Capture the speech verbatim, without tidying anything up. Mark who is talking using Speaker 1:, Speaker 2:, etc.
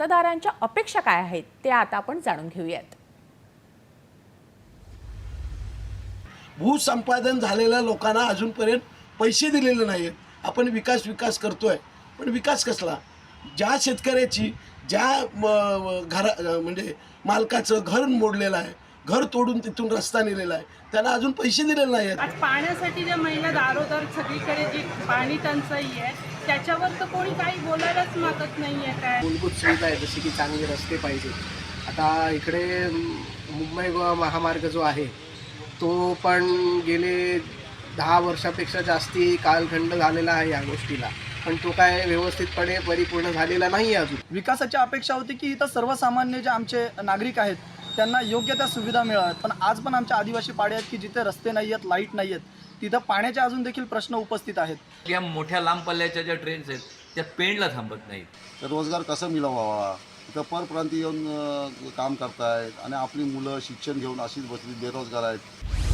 Speaker 1: मतदारांच्या अपेक्षा काय आहेत ते आता आपण जाणून घेऊयात।
Speaker 2: भूसंपादन झालेल्या लोकांना अजूनपर्यंत पैसे दिलेले नाहीत। आपण विकास विकास करतोय, पण विकास कसला? ज्या शेतकऱ्याची ज्या घर म्हणजे मालकाचं घर मोडलेलं आहे, घर तोडून तिथून रस्ता नेलेला आहे, त्याला अजून पैसे दिलेले नाहीत।
Speaker 3: आज पाण्यासाठी ज्या महिला दारोदार सगळीकडे जी पाणी टंचाई आहे त्याच्यावर तर कोणी काही बोलायलाच मागत नाहीये। काय
Speaker 4: मूलभूत सुविधा आहे जसे की चांगले रस्ते पाहिजे। आता इकडे मुंबई गोवा महामार्ग जो आहे तो पण गेले दहा वर्षापेक्षा जास्ती कालखंड झालेला आहे या गोष्टीला, पण तो काय व्यवस्थितपणे परिपूर्ण झालेला नाही आहे अजून।
Speaker 5: विकासाची अपेक्षा होती की इथं सर्वसामान्य जे आमचे नागरिक आहेत त्यांना योग्य त्या सुविधा मिळाव्यात, पण आज पण आमच्या आदिवासी पाडे आहेत की जिथे रस्ते नाही आहेत, लाईट नाही आहेत, तिथं पाण्याचे अजून देखील प्रश्न उपस्थित आहेत।
Speaker 6: या मोठ्या लांब पल्ल्याच्या ज्या ट्रेन्स आहेत त्या पेणला थांबत नाहीत।
Speaker 7: तर रोजगार कसा मिळवावा, इथं परप्रांती येऊन काम करतायत आणि आपली मुलं शिक्षण घेऊन अशीच बसली बेरोजगार आहेत।